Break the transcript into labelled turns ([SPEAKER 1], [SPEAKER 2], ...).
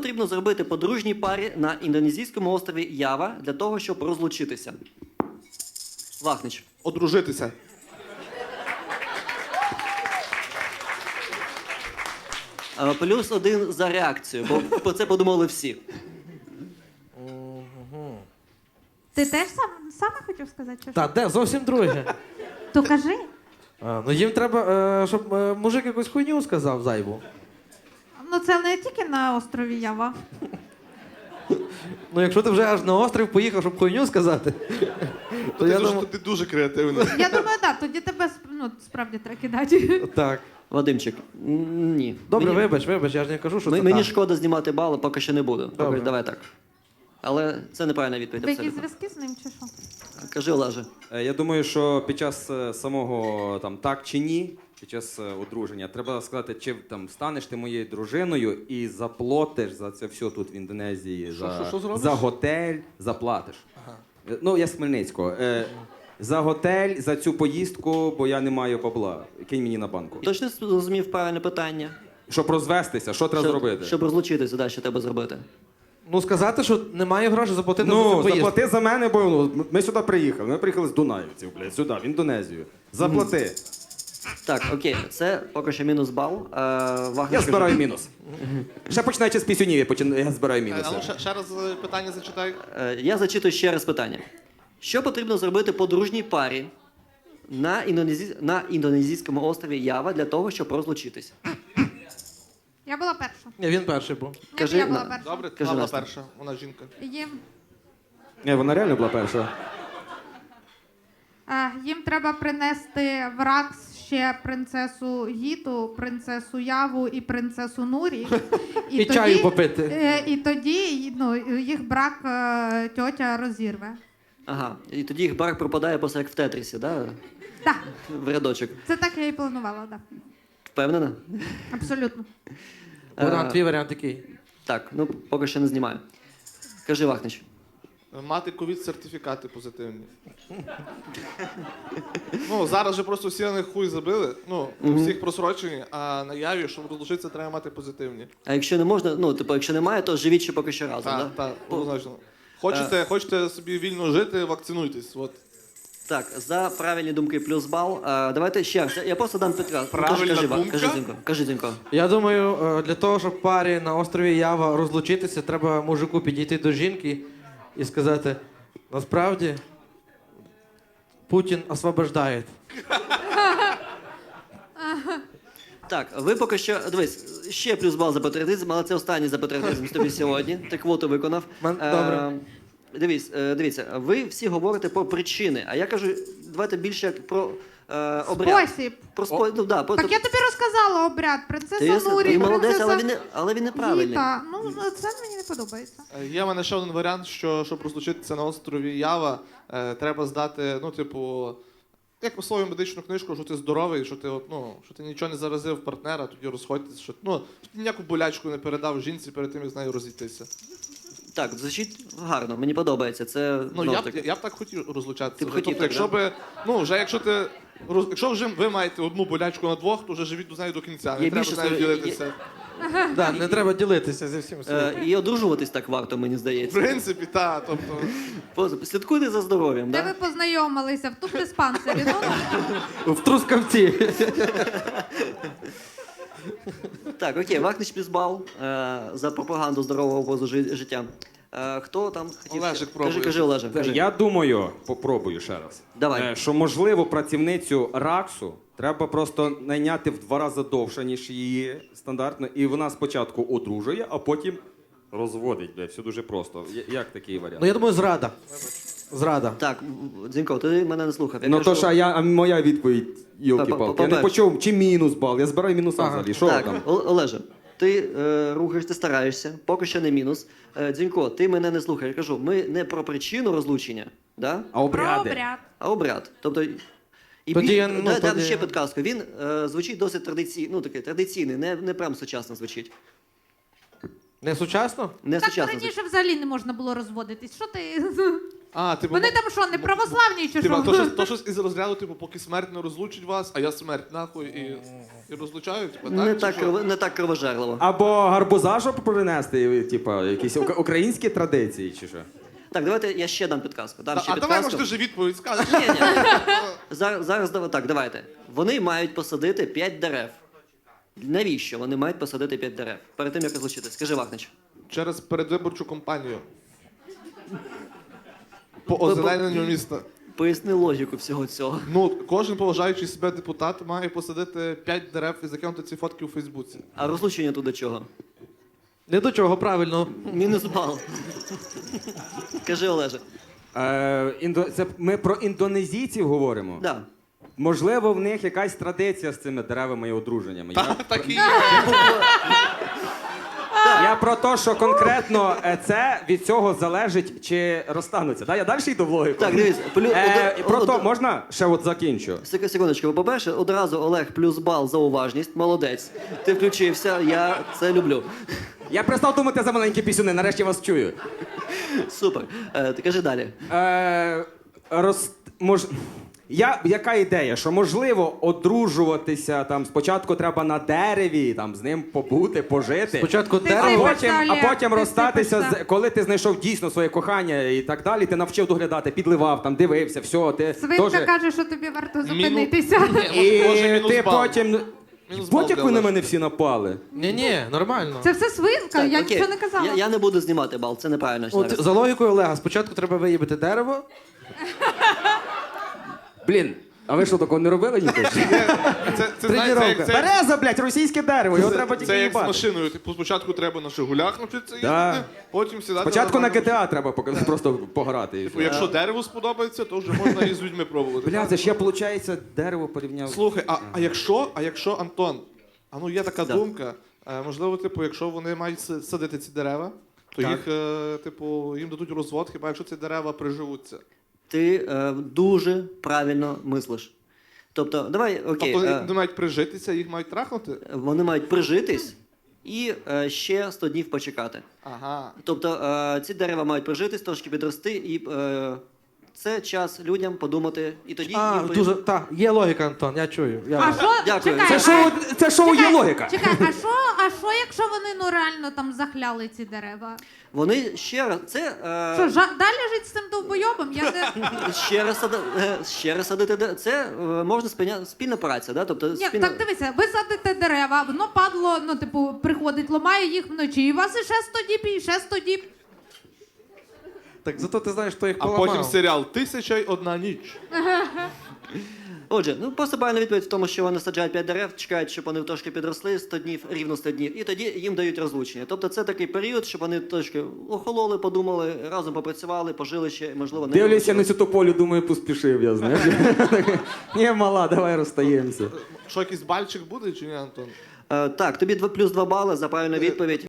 [SPEAKER 1] потрібно зробити подружній парі на індонезійському острові Ява для того, щоб розлучитися? Вахнич.
[SPEAKER 2] Одружитися.
[SPEAKER 1] Плюс 1 за реакцію, бо про це подумали всі.
[SPEAKER 3] Ти теж саме хотів сказати? Чи що?
[SPEAKER 4] Та, де? Зовсім друге.
[SPEAKER 3] То кажи.
[SPEAKER 4] Ну їм треба, щоб мужик якусь хуйню сказав зайву.
[SPEAKER 3] Ну це не тільки на острові Ява.
[SPEAKER 4] Ну якщо ти вже аж на острів поїхав, щоб хуйню сказати, то я думаю...
[SPEAKER 2] Ти дуже креативний.
[SPEAKER 3] Я думаю, так, тоді тебе справді треба кидати.
[SPEAKER 4] Так.
[SPEAKER 1] Вадимчик, ні.
[SPEAKER 4] Добре,
[SPEAKER 1] Мені-
[SPEAKER 4] вибач, я ж не кажу, що це
[SPEAKER 1] Мені
[SPEAKER 4] так.
[SPEAKER 1] шкода знімати бали, поки що не буду.
[SPEAKER 4] Добре.
[SPEAKER 1] Давай так. Але це неправильна відповідь.
[SPEAKER 3] Ви якісь
[SPEAKER 1] Абсолютно.
[SPEAKER 3] зв'язки з ним чи що?
[SPEAKER 1] Кажи, Олеже.
[SPEAKER 5] Я думаю, що під час самого там так чи ні, під час одруження, треба сказати, чи там станеш ти моєю дружиною і заплатиш за це все тут в Індонезії.
[SPEAKER 2] Що зробиш?
[SPEAKER 5] За готель заплатиш. Ну, я з Хмельницького. За готель, за цю поїздку, бо я не маю бабла. Кинь мені на банку.
[SPEAKER 1] Точно зрозумів правильне питання?
[SPEAKER 5] Щоб розвестися, що треба зробити?
[SPEAKER 1] Щоб розлучитися, да, що треба зробити?
[SPEAKER 4] Ну сказати, що немає грошей заплатити за цю
[SPEAKER 5] Ну,
[SPEAKER 4] поїздку.
[SPEAKER 5] заплати за мене, бо ну, ми сюди приїхали. Ми приїхали з Дунаївців, блядь, сюди, в Індонезію. Заплати.
[SPEAKER 1] Так, окей, це поки що мінус бал. Вахнич,
[SPEAKER 5] Я збираю мінус. Ще починаючи з пісюнів, я збираю мінуси.
[SPEAKER 2] А ну ще раз питання зачитай.
[SPEAKER 1] Я зачитую ще раз питання. Що потрібно зробити подружній парі на індонезійському острові Ява для того, щоб розлучитись?
[SPEAKER 3] Я була перша.
[SPEAKER 4] Ні, він перший був.
[SPEAKER 1] Кажи,
[SPEAKER 3] Я була
[SPEAKER 1] на-
[SPEAKER 3] перша.
[SPEAKER 2] Добре,
[SPEAKER 1] Кажи,
[SPEAKER 2] вона була
[SPEAKER 1] Настя.
[SPEAKER 2] перша, вона жінка.
[SPEAKER 5] Ні, вона реально була перша.
[SPEAKER 3] Їм треба принести в Ракс ще принцесу Гіту, принцесу Яву і принцесу Нурі.
[SPEAKER 4] І чаю попити.
[SPEAKER 3] І тоді їх брак тьотя розірве.
[SPEAKER 1] Ага, і тоді їх брак пропадає просто як в Тетрісі, да?
[SPEAKER 3] Так,
[SPEAKER 1] В рядочок.
[SPEAKER 3] це так я і планувала, так.
[SPEAKER 1] Впевнена?
[SPEAKER 3] Абсолютно.
[SPEAKER 4] Богдан, твій варіант який?
[SPEAKER 1] Так, ну поки що не знімаю. Кажи, Вахнич.
[SPEAKER 2] Мати ковід-сертифікати позитивні. Ну, зараз же просто всі на них хуй забили. Ну, всіх просрочені, а на Яві, щоб розлучитися, треба мати позитивні.
[SPEAKER 1] А якщо не можна, ну, типу, якщо немає, то живіть ще поки що разом,
[SPEAKER 2] Так,
[SPEAKER 1] да?
[SPEAKER 2] так, однозначно. Хочете собі вільно жити, вакцинуйтесь. От.
[SPEAKER 1] Так, за правильні думки плюс бал. Давайте ще раз. Я просто дам підказку.
[SPEAKER 2] Правильна
[SPEAKER 1] Кажи,
[SPEAKER 2] думка?
[SPEAKER 1] Кажи, Зінько. Кажи, Зінько.
[SPEAKER 4] Я думаю, для того, щоб парі на острові Ява розлучитися, треба мужику підійти до жінки і сказати, насправді, Путін освобождає.
[SPEAKER 1] Так, ви поки що. Дивись, ще плюс бал за патріотизм, але це останній за патріотизм з тобі сьогодні. Ти квоту виконав.
[SPEAKER 4] Добре.
[SPEAKER 1] Дивіться, ви всі говорите про причини, а я кажу, давайте більше як про обряд.
[SPEAKER 3] Спосіб.
[SPEAKER 1] Ну, да,
[SPEAKER 3] Так я тобі розказала обряд. Принцеса Нурі,
[SPEAKER 1] ти молодець,
[SPEAKER 3] принцеса
[SPEAKER 1] але він неправильний.
[SPEAKER 3] Гіта. Ну, це мені не подобається.
[SPEAKER 2] Є в мене ще один варіант, що щоб розлучитися на острові Ява, треба здати, ну, типу, як условію медичну книжку, що ти здоровий, що ти, що ти нічого не заразив партнера, тоді розходьтесь, що ти ніяку болячку не передав жінці перед тим, як з нею розійтися.
[SPEAKER 1] Так, звучить гарно, мені подобається. Це,
[SPEAKER 2] Ну,
[SPEAKER 1] ну,
[SPEAKER 2] я б так хотів розлучатися.
[SPEAKER 1] Ти б хотів так,
[SPEAKER 2] якщо би, якщо вже ви маєте одну болячку на двох, то вже живіть з нею до кінця. Не
[SPEAKER 1] Є
[SPEAKER 2] треба
[SPEAKER 1] більше
[SPEAKER 2] з нею
[SPEAKER 1] слов-
[SPEAKER 2] ділитися.
[SPEAKER 4] Да, не треба ділитися зі всім світом.
[SPEAKER 1] І одружуватись так варто, мені
[SPEAKER 2] В
[SPEAKER 1] здається.
[SPEAKER 2] принципі, так. Тобто,
[SPEAKER 1] Слідкуйте за здоров'ям,
[SPEAKER 3] Де
[SPEAKER 1] так?
[SPEAKER 3] ви познайомилися? В тубдиспансері,
[SPEAKER 4] В Трускавці.
[SPEAKER 1] Так, окей, Вахнич плюс бал за пропаганду здорового образу життя. Хто там хотів?
[SPEAKER 2] Олежик пробує.
[SPEAKER 1] Кажи, Олеже, кажи.
[SPEAKER 5] Я думаю, попробую ще раз.
[SPEAKER 1] Давай.
[SPEAKER 5] Що можливо працівницю Раксу треба просто найняти в 2 рази довше, ніж її стандартно, і вона спочатку одружує, а потім розводить. Бля, все дуже просто. Як такий варіант?
[SPEAKER 4] Ну я думаю, зрада. Зрада.
[SPEAKER 1] Так, Дзінько, ти мене не слухав. Я
[SPEAKER 5] Ну
[SPEAKER 1] кажу,
[SPEAKER 5] то ж, а моя відповідь, йолки-палки. Я не почув, чи мінус бал, я збираю мінуса взагалі. Що
[SPEAKER 1] Так,
[SPEAKER 5] там?
[SPEAKER 1] Олеже, ти рухаєш, ти стараєшся, поки що не мінус. Дзінько, ти мене не слухаєш. Я кажу, ми не про причину розлучення, да?
[SPEAKER 5] А обряди?
[SPEAKER 3] Про обряд.
[SPEAKER 1] А обряд. Тобто, і
[SPEAKER 4] Тоді я,
[SPEAKER 1] дам
[SPEAKER 4] тоді-
[SPEAKER 1] ще підказку. Він звучить досить традиційний, не прям сучасно звучить.
[SPEAKER 4] Не сучасно?
[SPEAKER 1] Не
[SPEAKER 3] Так
[SPEAKER 1] сучасно звучить.
[SPEAKER 3] раніше взагалі не можна було розводитись. Що ти?
[SPEAKER 2] А, типу,
[SPEAKER 3] Вони там що, не православні чи
[SPEAKER 2] типу,
[SPEAKER 3] що?
[SPEAKER 2] то щось із розряду, типу, поки смерть не розлучить вас, а я смерть, нахуй, і розлучають, типу,
[SPEAKER 1] Не
[SPEAKER 2] так?
[SPEAKER 1] так,
[SPEAKER 2] чи що?
[SPEAKER 1] не так кровожерливо.
[SPEAKER 5] Або гарбуза, щоб принести, типа, якісь українські традиції, чи що?
[SPEAKER 1] Так, давайте я ще дам підказку. Дам ще
[SPEAKER 2] А давай,
[SPEAKER 1] підказку.
[SPEAKER 2] може, ти вже відповідь скажеш.
[SPEAKER 1] Ні, ні. Зараз так, давайте. Вони мають посадити 5 дерев. Навіщо вони мають посадити 5 дерев? Перед тим, як розлучитись. Скажи, Вахнич.
[SPEAKER 2] Через передвиборчу кампанію. По озелененню міста.
[SPEAKER 1] Поясни логіку всього цього.
[SPEAKER 2] Ну, кожен поважаючий себе депутат має посадити 5 дерев і закинути ці фотки у Фейсбуці.
[SPEAKER 1] А розлучення тут до чого?
[SPEAKER 4] Не до чого, правильно.
[SPEAKER 1] Мінус бал. Кажи, Олеже.
[SPEAKER 5] Це ми про індонезійців говоримо.
[SPEAKER 1] Да.
[SPEAKER 5] Можливо, в них якась традиція з цими деревами і одруженнями.
[SPEAKER 2] Так і є.
[SPEAKER 5] Я про те, що конкретно це від цього залежить, чи розстануться. Да? Я далі йду в логіку.
[SPEAKER 1] Так, дивіться.
[SPEAKER 5] Про то можна ще от закінчу.
[SPEAKER 1] Секундочку, по-перше, одразу Олег плюс бал за уважність. Молодець. Ти включився, я це люблю.
[SPEAKER 5] Я перестав думати за маленькі пісюни, нарешті вас чую.
[SPEAKER 1] Супер. Ти кажи далі.
[SPEAKER 5] Яка ідея, що можливо одружуватися там спочатку треба на дереві, там з ним побути, пожити.
[SPEAKER 4] Спочатку
[SPEAKER 3] Ти
[SPEAKER 4] дерево.
[SPEAKER 3] сипешся,
[SPEAKER 5] А
[SPEAKER 3] Олег,
[SPEAKER 5] потім
[SPEAKER 3] ти
[SPEAKER 5] розстатися,
[SPEAKER 3] сипешся.
[SPEAKER 5] коли ти знайшов дійсно своє кохання і так далі, ти навчив доглядати, підливав, там, дивився, все, ти
[SPEAKER 3] Свинка
[SPEAKER 5] теж...
[SPEAKER 3] каже, що тобі варто зупинитися.
[SPEAKER 5] І
[SPEAKER 2] Може, мінус
[SPEAKER 5] ти
[SPEAKER 2] бал.
[SPEAKER 5] потім...
[SPEAKER 2] Мінус бал
[SPEAKER 5] Будь-як
[SPEAKER 2] для
[SPEAKER 5] ви на
[SPEAKER 2] Олега.
[SPEAKER 5] мене всі напали.
[SPEAKER 4] Ні, нормально.
[SPEAKER 3] Це все свинка,
[SPEAKER 1] Так,
[SPEAKER 3] я
[SPEAKER 1] окей.
[SPEAKER 3] нічого не казала.
[SPEAKER 1] Я не буду знімати бал, це неправильно.
[SPEAKER 4] От,
[SPEAKER 1] зараз.
[SPEAKER 4] за логікою Олега, спочатку треба виїбати дерево.
[SPEAKER 5] Блін, а ви що, такого не робили ніколи?
[SPEAKER 2] Це знаєте, як це,
[SPEAKER 5] Береза, блядь, російське дерево, його треба тільки
[SPEAKER 2] це як з
[SPEAKER 5] їбати.
[SPEAKER 2] машиною. Типу, спочатку треба на Жигулях навчитися
[SPEAKER 5] Да.
[SPEAKER 2] їздити, потім сідати.
[SPEAKER 5] Спочатку на
[SPEAKER 2] нормальну
[SPEAKER 5] GTA треба просто пограти. і
[SPEAKER 2] Типу,
[SPEAKER 5] все.
[SPEAKER 2] якщо дерево сподобається, то вже можна і з людьми пробувати.
[SPEAKER 5] Бля, це ж я, виходить, дерево порівняв.
[SPEAKER 2] Слухай, а якщо Антон, є така
[SPEAKER 1] Да.
[SPEAKER 2] думка, можливо, типу, якщо вони мають садити ці дерева, то
[SPEAKER 5] Так.
[SPEAKER 2] їх, їм дадуть розвод, хіба якщо ці дерева приживуться.
[SPEAKER 1] Ти дуже правильно мислиш. Тобто, давай, окей,
[SPEAKER 2] Тобто вони мають прижитися, їх мають трахнути?
[SPEAKER 1] вони мають прижитись і ще 100 днів почекати.
[SPEAKER 2] Ага.
[SPEAKER 1] Тобто ці дерева мають прижитись, трошки підрости, і це час людям подумати. І тоді їм
[SPEAKER 4] Дуже, так, є логіка, Антон, я чую.
[SPEAKER 3] А що?
[SPEAKER 1] Дякую.
[SPEAKER 3] Чекай,
[SPEAKER 5] Це шоу є логіка.
[SPEAKER 3] Чекай, а що, якщо вони реально там захляли ці дерева?
[SPEAKER 1] Вони ще раз це
[SPEAKER 3] Що, далі жить з цим довбойобом? Я не...
[SPEAKER 1] ще раз садити це можна спільна праця, да? Тобто
[SPEAKER 3] Ні, так дивися, ви садите дерева, воно падло, приходить, ламає їх вночі, і у вас іще 100 діб, і ще 100 діб.
[SPEAKER 4] Так зато ти знаєш, хто їх
[SPEAKER 2] А
[SPEAKER 4] поламав.
[SPEAKER 2] потім серіал «1001 ніч».
[SPEAKER 1] Отже, просто правильна відповідь в тому, що вони саджають 5 дерев, чекають, щоб вони трошки підросли 100 днів, рівно 100 днів, і тоді їм дають розлучення. Тобто це такий період, щоб вони трошки охололи, подумали, разом попрацювали, пожили ще, можливо, не
[SPEAKER 5] Дивлюся на
[SPEAKER 1] розлучились.
[SPEAKER 5] цю тополю, думаю, поспішив я, знаєш. Ні, мала, давай розстаємося.
[SPEAKER 2] Що, якийсь бальчик буде чи ні, Антон?
[SPEAKER 1] Так, тобі плюс 2 бали за правильну відповідь.